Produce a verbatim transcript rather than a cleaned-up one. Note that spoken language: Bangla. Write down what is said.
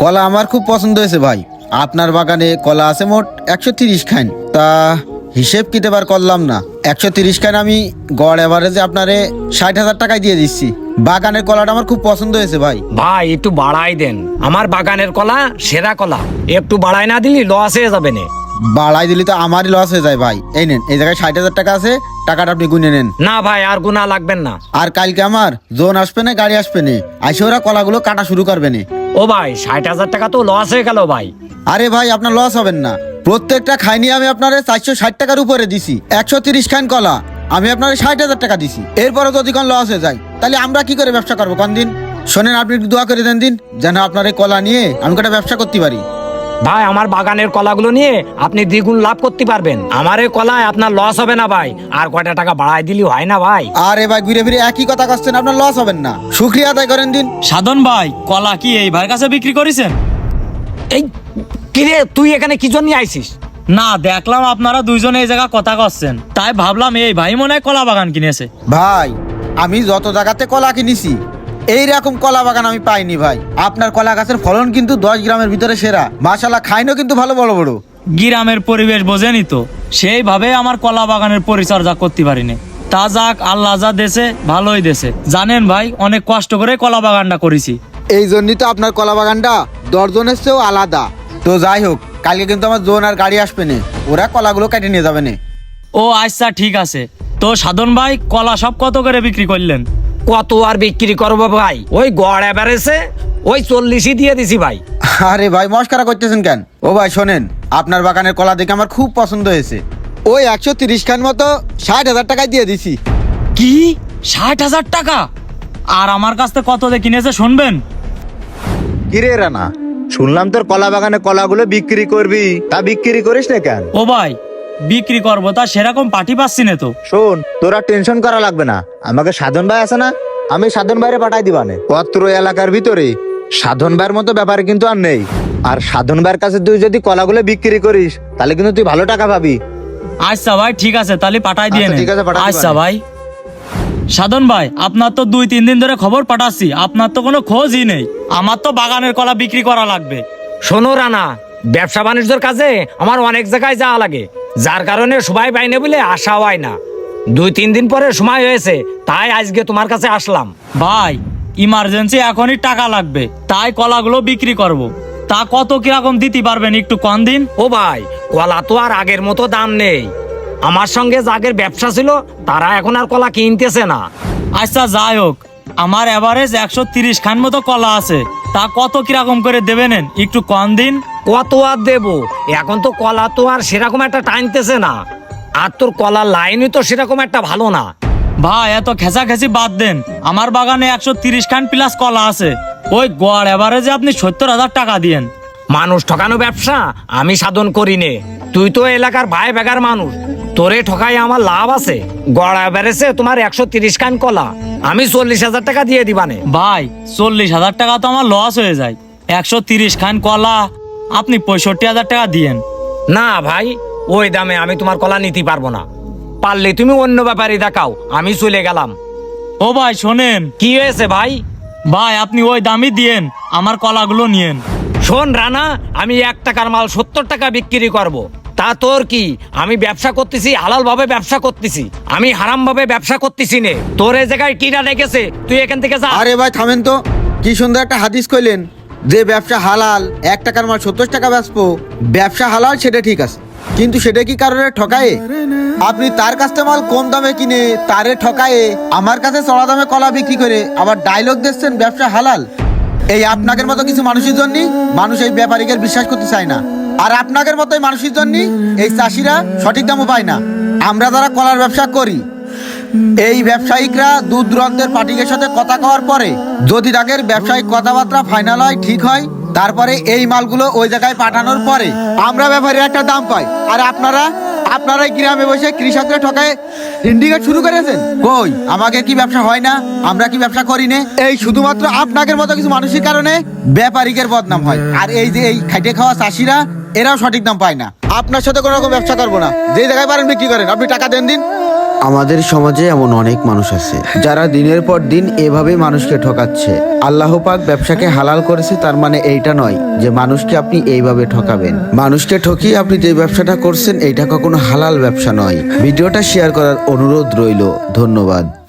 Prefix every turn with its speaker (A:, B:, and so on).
A: কলা আমার খুব পছন্দ হয়েছে ভাই। আপনার বাগানে কলা আছে মোট একশো তিরিশ খান। তা হিসেব কিতে বার করলাম না, একশো তিরিশ খান আমি গড় এভারেজে আপনারে ষাট হাজার টাকায় দিয়ে দিচ্ছি। বাগানের কলাটা আমার খুব পছন্দ হয়েছে ভাই।
B: ভাই একটু বাড়াই দেন, আমার বাগানের কলা সেরা কলা, একটু বাড়াই না দিলি লস হয়ে যাবে না।
A: বাড়াই দিলি তো আমারই লস হয়ে যায় ভাই। এই নেন, এই জায়গায় ষাট হাজার টাকা আছে, টাকাটা আপনি গুনে নেন।
B: না ভাই আর গুনা লাগবেন না।
A: আর কালকে আমার জোন আসবে না, গাড়ি আসবে না, আইসে ওরা কলাগুলো কাটা শুরু করবে না।
B: ও ভাই ষাট হাজার টাকা তো লস হয়ে গেল ভাই।
A: আরে ভাই আপনার লস হবেন না, প্রত্যেকটা খাইনি আমি আপনার চারশো ষাট টাকার উপরে দিছি। একশো তিরিশ খান কলা আমি আপনার ষাট হাজার টাকা দিছি। এরপরে যদি কোন লস হয়ে যায় তাহলে আমরা কি করে ব্যবসা করবো কোন দিন? শোনেন, আপনি একটু দোয়া করে দেন দিন, যেন আপনার এই কলা নিয়ে আমি একটা ব্যবসা করতে পারি।
B: ভাই আমার বাগানের কলাগুলো নিয়ে আপনি দ্বিগুণ লাভ করতে পারবেন। আমার এই কলায় আপনার লস হবে না ভাই, আর কয়টা টাকা বাড়াই দিলি হয় না ভাই।
A: আরে ভাই ঘুরে ফিরে একই কথা করছেন, আপনার লস হবেন না, শুক্রিয়া আদায় করেন দিন।
C: সাধন ভাই, কলা কি এই ভাইয়ের কাছে বিক্রি করেছেন?
B: এই কিরে তুই এখানে কি জন্য আইছিস?
C: না, দেখলাম আপনারা দুইজনে এই জায়গা কথা করছেন, তাই ভাবলাম এই ভাই মনে হয় কলা বাগান কিনেছে।
A: ভাই আমি যত জায়গাতে কলা কিনেছি এইরকম কলা বাগান আমি পাইনি ভাই। আপনার কলা গাছের ফলন কিন্তু দশ গ্রামের ভিতরে সেরা, মাশাআল্লাহ, খাইনও কিন্তু ভালো বড় বড়।
C: গ্রামের পরিবেশ বোঝেনি তো, সেইভাবে আমার কলা বাগানের পরিচর্যা করতে পারিনি। তা যাক, আল্লাহ যা দেশে ভালোই দেশে। জানেন ভাই, অনেক কষ্ট করে কলা বাগানটা করেছি।
A: এই জন্যই তো আপনার কলা বাগানটা দর্জনের চেয়েও আলাদা। তো যাই হোক, কালকে কিন্তু আমার জোন আর গাড়ি আসবে না, ওরা কলাগুলো কেটে নিয়ে যাবে না।
C: ও আচ্ছা ঠিক আছে। তো সাধন ভাই, কলা সব কত করে বিক্রি করলেন?
B: কত আর বিক্রি করবো ভাই, ওই গড় এভারেজে ওই চল্লিশই দিয়ে দিছি ভাই।
A: আরে ভাই মস্কারা করতেছেন কেন? ও ভাই শোনেন, আপনার বাগানের কলা দেখে আমার খুব পছন্দ হয়েছে, ওই একশো তিরিশ খান মতো ষাট হাজার টাকায় দিয়ে দিছি।
C: কি ষাট হাজার টাকা? আর আমার কাছ থেকে কত দিয়ে কিনেছে শুনবেন?
D: কিরে রানা, শুনলাম তোর কলা বাগানে কলাগুলো বিক্রি করবি, তা বিক্রি করিস না কেন?
C: ও ভাই, বিক্রি করবো তা সেরকম পাঠি পাচ্ছি না তো।
D: শোন, তোরা টেনশন করা লাগবে না, আমাকে সাধন ভাই আছে না, আমি সাধন ভাইরে পাঠাই দিবানে। পত্র এলাকার ভিতরে সাধন ভাইয়ের মতো ব্যাপারে কিন্তু আর নেই। আর সাধন ভাইয়ের কাছে তুই যদি কলাগুলো বিক্রি করিস তাহলে কিন্তু তুই ভালো টাকা পাবি।
C: আচ্ছা ভাই ঠিক আছে, তাহলে পাঠাই দিয়ে
D: আচ্ছা,
C: নেন।
D: ঠিক আছে, পাঠাই
C: আচ্ছা
D: দিবানে।
C: ভাই। সাধন ভাই, আপনার তো দুই তিন দিন ধরে খবর পাঠাচ্ছি, আপনার তো কোনো খোঁজই নেই। আমার তো বাগানের কলা বিক্রি করা লাগবে।
B: শোনো রানা, ব্যবসা বাণিজ্যের কাজে আমার অনেক জায়গায় যাওয়া লাগে, যার কারণে সবাই পাইনে বলে আসা হয় না। দুই তিন দিন পরে সময় হয়েছে, তাই আজকে তোমার কাছে আসলাম।
C: ভাই ইমার্জেন্সি এখনই টাকা লাগবে, তাই কলাগুলো বিক্রি করব। তা কত কিরকম দিতে পারবেন একটু কম দিন?
B: ও ভাই, কলা তো আর আগের মতো দাম নেই। আমার সঙ্গে যাদের ব্যবসা ছিল তারা এখন আর কলা কিনতেছে না।
C: আচ্ছা যাই হোক, আমার এভারেজ একশো তিরিশ খান মতো কলা আছে, তা কত কিরকম করে দেবেন একটু কম দিন?
B: কত আর দেবো, এখন তো কলা তো আর সেরকম একটা টানতেছে না, আর তোর কলার লাইনই তো সেরকম একটা ভালো না।
C: ভাই এত খেঁচাখেঁচি বাদ দেন, আমার বাগানে একশো তিরিশ খান প্লাস কলা আছে, ওই গড় এভারেজে আপনি সত্তর হাজার টাকা দিয়েন।
B: মানুষ ঠকানো ব্যবসা আমি সাধন করি নে, তুই তো এলাকার ভাই বেগার মানুষ, তোরে ঠকাই আমার লাভ আছে। গড়া বেড়েছে তোমার একশো তিরিশ খান কলা, আমি চল্লিশ হাজার টাকা দিয়ে দিবানে।
C: ভাই চল্লিশ হাজার টাকা তো আমার লস হয়ে যায়, একশো তিরিশ খান কলা আপনি পঁয়ষট্টি হাজার টাকা দিয়েন।
B: না ভাই, ওই দামে আমি তোমার কলা নিতে পারবো না, পারলে তুমি অন্য ব্যাপারে দেখাও, আমি চলে গেলাম।
C: ও ভাই শোনেন।
B: কি হয়েছে ভাই?
C: ভাই আপনি ওই দামই দিয়েন, আমার কলাগুলো নিয়েন।
B: শোন রানা, আমি এক টাকার মাল সত্তর টাকা বিক্রি করব। তা তোর কি, আমি ব্যবসা করতেছি হালাল ভাবে ব্যবসা করতেছি, আমি হারাম ভাবে ব্যবসা করতেছি নে। তোর এই জায়গায় কিরা রেখেছে, তুই এখান থেকে যা।
A: আরে ভাই থামেন তো, কি সুন্দর একটা হাদিস কইলেন যে ব্যবসা হালাল, এক টাকার মাল সত্তর টাকা বেচবো। ব্যবসা হালাল সেটা ঠিক আছে, কিন্তু সেটা কি কারণে ঠকায়ে? আপনি তার কাছ থেকে মাল কম দামে কিনে তারে ঠকায়ে আমার কাছে চড়া দামে কলা বিক্রি করে আবার ডায়লগ দিচ্ছেন ব্যবসা হালাল। এই আপনাদের মতো কিছু মানুষের জন্য মানুষ এই ব্যাপারীকে বিশ্বাস করতে চায় না, আর আপনাদের মতো মানুষের জন্য এই চাষিরা সঠিক দামও পায় না। আমরা যারা কলার ব্যবসা করি, এই ব্যবসায়িকরা দূর দূরান্তের পার্টিদের সাথে কথা কওয়ার পরে যদি তাদের ব্যবসায়িক কথাবার্তা ফাইনাল হয়, ঠিক হয়, তারপরে এই মালগুলো ওই জায়গায় পাঠানোর পরে আমরা ব্যাপারীর একটা দাম পাই। আর আপনারা আপনারা গ্রামে বসে কৃষকদের ঠকায় সিন্ডিকেট শুরু করেছেন। কই আমাদের কি ব্যবসা হয় না? আমরা কি ব্যবসা করি না? এই শুধুমাত্র আপনাদের মতো কিছু মানুষের কারণে ব্যাপারীদের বদনাম হয়, আর এই যে এই খাইটে খাওয়া চাষিরা এরাও সঠিক দাম পায় না। আপনার সাথে কোনো রকম ব্যবসা করবো না, যে জায়গায় পারেন বিক্রি করেন, আপনি টাকা দেন দিন। আমাদের সমাজে এমন অনেক মানুষ আছে যারা দিনের পর দিন এভাবে মানুষকে ঠকাচ্ছে। আল্লাহ পাক ব্যবসাকে হালাল করেছে, তার মানে এইটা নয় যে মানুষকে আপনি এইভাবে ঠকাবেন। মানুষকে ঠকিয়ে আপনি যে ব্যবসাটা করছেন এইটা কখনো হালাল ব্যবসা নয়। ভিডিওটা শেয়ার করার অনুরোধ রইল। ধন্যবাদ।